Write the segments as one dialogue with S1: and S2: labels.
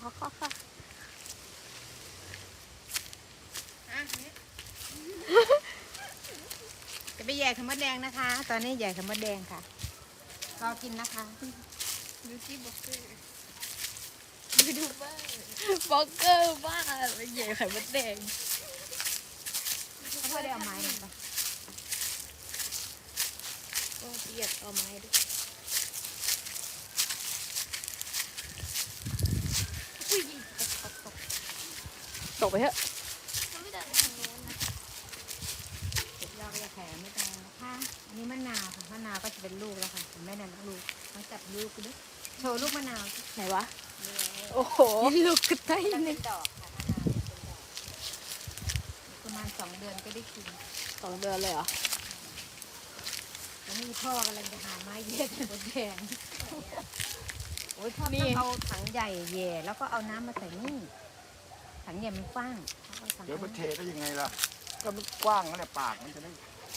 S1: ค่ะ
S2: จะไปแย่ไข่มดแดงนะคะ ตอนนี้แย่ไข่มดแดงค่ะรอกินนะคะ
S1: ดูที่บล็อกเกอร์ดูบ้าบล็อกเกอร์บ้าไปใหญ่ไข่มดแดง
S2: พ่อได้เอาไม้มาปะ
S1: ก็เปียกเอาไม้ด้วยตกไปเถอะไม่ได้ทางโน้นนะ
S2: เราจะแถมไม่ได้นะคะอันนี้มะนาวค่ะมะนาวก็จะเป็นลูกแล้วค่ะแม่นั่นลูกต้องจับลูกด้วยโชว์ลูกมะนาว
S1: ไหนวะโอ้โหลูกกระต่าย
S2: เป็
S1: เนี่ย
S2: นดอกค่ะมะนาวเป็นดอกประมาณ2 เดือนก็ได้กิน
S1: 2 เดือนเลยเหรอ
S2: แล้วนี่พ่อกำลังจะหาไม้เย็ดบนแดงโอ้ยพ่อต้องเอาถังใหญ่แย่แล้วก็เอาน้ำมาใส่นี่ถังใหญ่มันกว้าง
S3: เดี๋ยวมันเทได้ยังไงล่ะก็มันกว้างนั่นแหละปากมันจะได้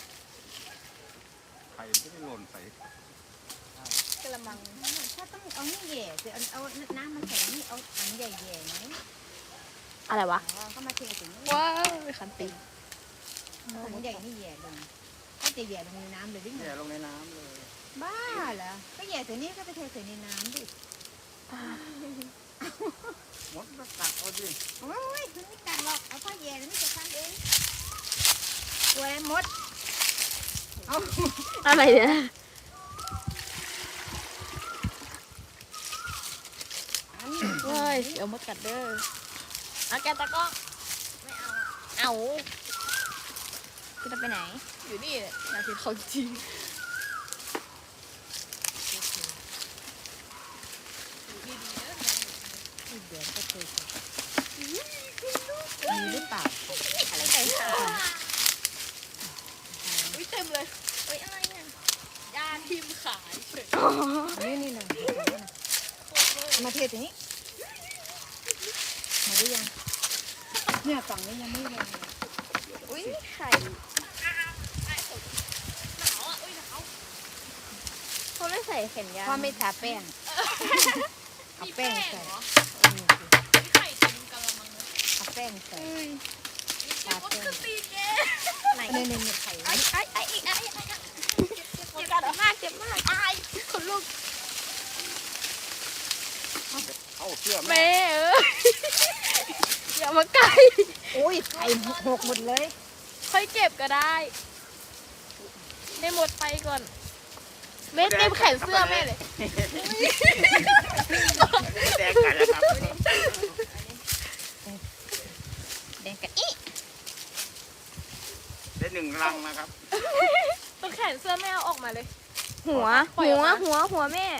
S3: ไข่มันจะได้หล่นใส่
S1: กระมัง
S2: ถ้าต้องเอานี่แย่จะเอาน้ำมาใส่นี่เอาถังใหญ่แย่ไหม
S1: อะไรวะ
S2: ก็มาเทถึง
S1: ว้าวขันติ
S2: ถังใหญ่นี่แย่ลงก็จะแย่ลงในน้ำเลยดิ
S3: แย่ลงในน้ำเลย
S2: บ้าเหรอก็แย่ใส่นี่ก็ไปเทใส่ในน้ำดิ
S3: มดก็กัดเอาดิ
S2: โอ้ยมันไม่กัดหรอกเอาพ่อแย่แล้วนี่จะทำเองตัวมดเอา
S1: อะไรเนี่ยเฮ้ยเดี๋ยวมดกัดเด้อเอาแกตะก้องไม่เอาคือจะไปไหนอยู่นี่อยากเห็นเขาจริง
S2: เดี๋ยวก็เคยมีหรือเปล่า
S1: อะไรแต่งขาอุ้ยเต็มเลยเฮ้ยอะไรเนี่ยยาทิมขายเฉย
S2: นี่นะมาเทตรงนี้มาได้ยังเนี่ยฝั่งนี้ยังไม่ลง
S1: อุ้ยไข่หนาวอ่ะอุ้ยหนาวเขาไม่ใส่แขนยาว
S2: พ่อไม่ทาแป้งเอาแป้งใส่
S1: ไข่เต็มกะละมังเลย
S2: เอาแป้งใส่
S1: ทาแป้งไหน
S2: เนี่ยไข่
S1: ไอ้อีกเจ็บมากเจ็บมากไอ้คนลูก
S3: เอาเสื้อ
S1: แม่อย่ามาใกล้
S2: โอ้ยไข่หกหมดเลย
S1: ค่อยเก็บก็ได้ได้หมดไปก่อนแม่เต็มแขนเสื้อแม่เลย
S3: แดงกันนะครับ
S2: แดงกะอี
S3: ได้1 รังนะครับ
S1: ตัวแขนเสื้อแม่เอาออกมาเลย
S4: หัวแม่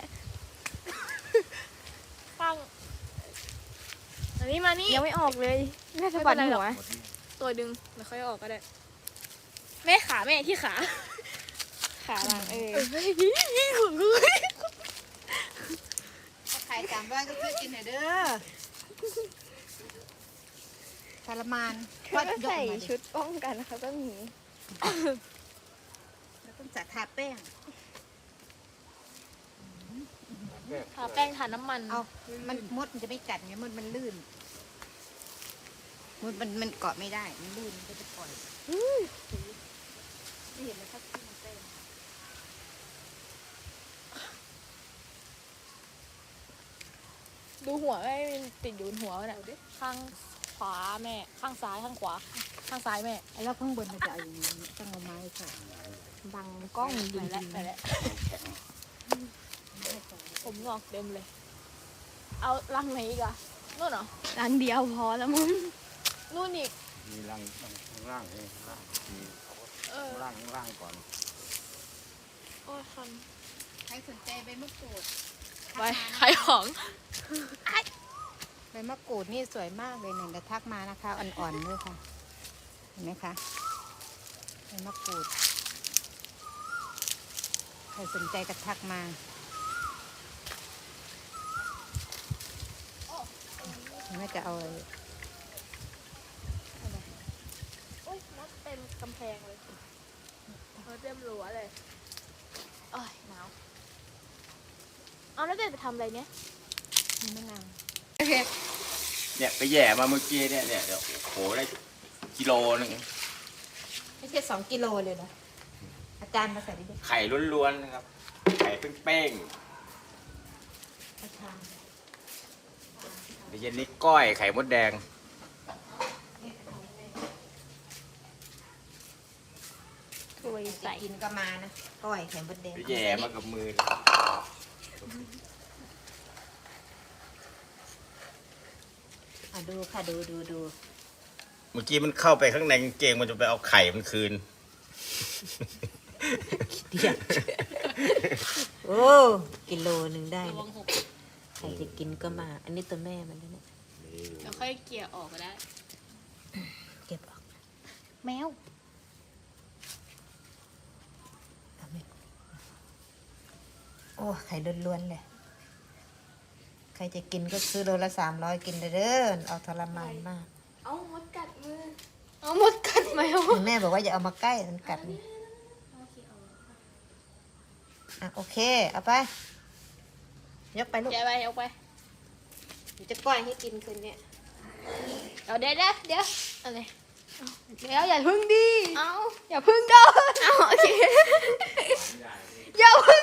S1: ฟังอันนี้มานี่
S4: ยังไม่ออกเลยแม่สะบัดหัว
S1: ตัวดึงแล้วค่อยออกก็ได้แม่ขาแม่ที่ขา
S4: หลัง
S2: ไข่300ก็ซื้อกินหน่อยเด้อทรมาน
S4: ก็ใส่ชุดป้องกันเขาก็มี
S2: แล้วต้องจัดทาแป้ง
S1: ทาแป้งทาน้ำมัน
S2: เอามันมดมันจะไม่กัดไงมันลื่นมันเกาะไม่ได้มันลื่นมันจะปล่อยไม่เห็นเลยครับที่มันเต้น
S1: ดูหัวไม่ติดอยู่บนหัวน่ะข้างขวาแม่ข้างซ้ายข้างขวาข้างซ้ายแม่
S2: แล้วข้างบนมันจะเอาอย่างนี้ต้องเอาไม้ใส่
S4: บังกล้อง
S1: ไปแล้วผมงอกเต็มเลยเอารังไหนอีกอะนู่นเหรอ
S4: รังเดียวพอแล้วมึง
S1: นู่นอีก
S3: มีรังข้างล่างเองข้างล่างก่อน
S1: โอ้ยคัน
S2: ใครสนใจใบมะกรูด
S1: ไปขายของ
S2: ใบมะกรูดนี่สวยมากเลยเนี่ยจะทักมานะคะอ่อนๆด้วยค่ะเห็นไหมคะใบมะกรูดใครสนใจก็ทักมาไม่จะเอาเลย
S1: โอ้ยมดเต็มกำแพงเลยมดเต็มรั้วเลยโอ้ยหนาวเอาแล้วเด็กไปทำอะไรเนี่ย
S2: มีมะนาว
S1: โอเค
S3: เนี่ยไปแย่มาเมื่อกี้เนี่ยเดี๋ยวโอ้โหได้กิโลนึง
S2: ไม่ใช่2 กิโลเลยเหรออาจารย์มาใส่ดิ
S3: ไข่ล้วนๆนะครับไข่เป้ง
S2: อาจารย์
S3: ๆเดี๋ยวเย็นนี้ก้อยไข่มดแดง
S4: ถ้วยใส่
S2: กินก็มานะก้อยไข่มดแดง
S3: ไปแย่มากับมือ
S2: ดูค่ะดู
S3: เมื่อกี้มันเข้าไปข้างในกางเกงมันจะไปเอาไข่มันคืน
S2: เดียวโอ้กิโลหนึ่งได้
S1: ระ
S2: เล
S1: วั
S2: ย
S1: งหก
S2: ใครจะกินก็มา อันนี้ตัวแม่มันแล้วเนี่ย
S1: เดี๋ยวค่อยเกลี่ยออกก็ได้
S2: เก็บออก
S4: แมว
S2: เอาไหมโอ้ไข่ล้วนๆเลยใครจะกินก็ซื้อโลละ300กินเด้อเอาทรมานมาก
S4: เอามดกัดมือ เอามดกัดแมว
S2: แม่บอกว่าอย่าเอามาใกล้มันกัดนี่อ่ะโอเคเอาไปยกไปลูก
S1: แกะไปเอาไป
S2: เดี๋ยวจะก้อยให้กินคืนเนี้ย
S1: เอาเดี๋ยวอะไร
S4: เดี๋ยวอย่าพึ่งดิ
S1: เอา
S4: อย่าพึ่งเดินเอาโอเคอย่าพึ่ง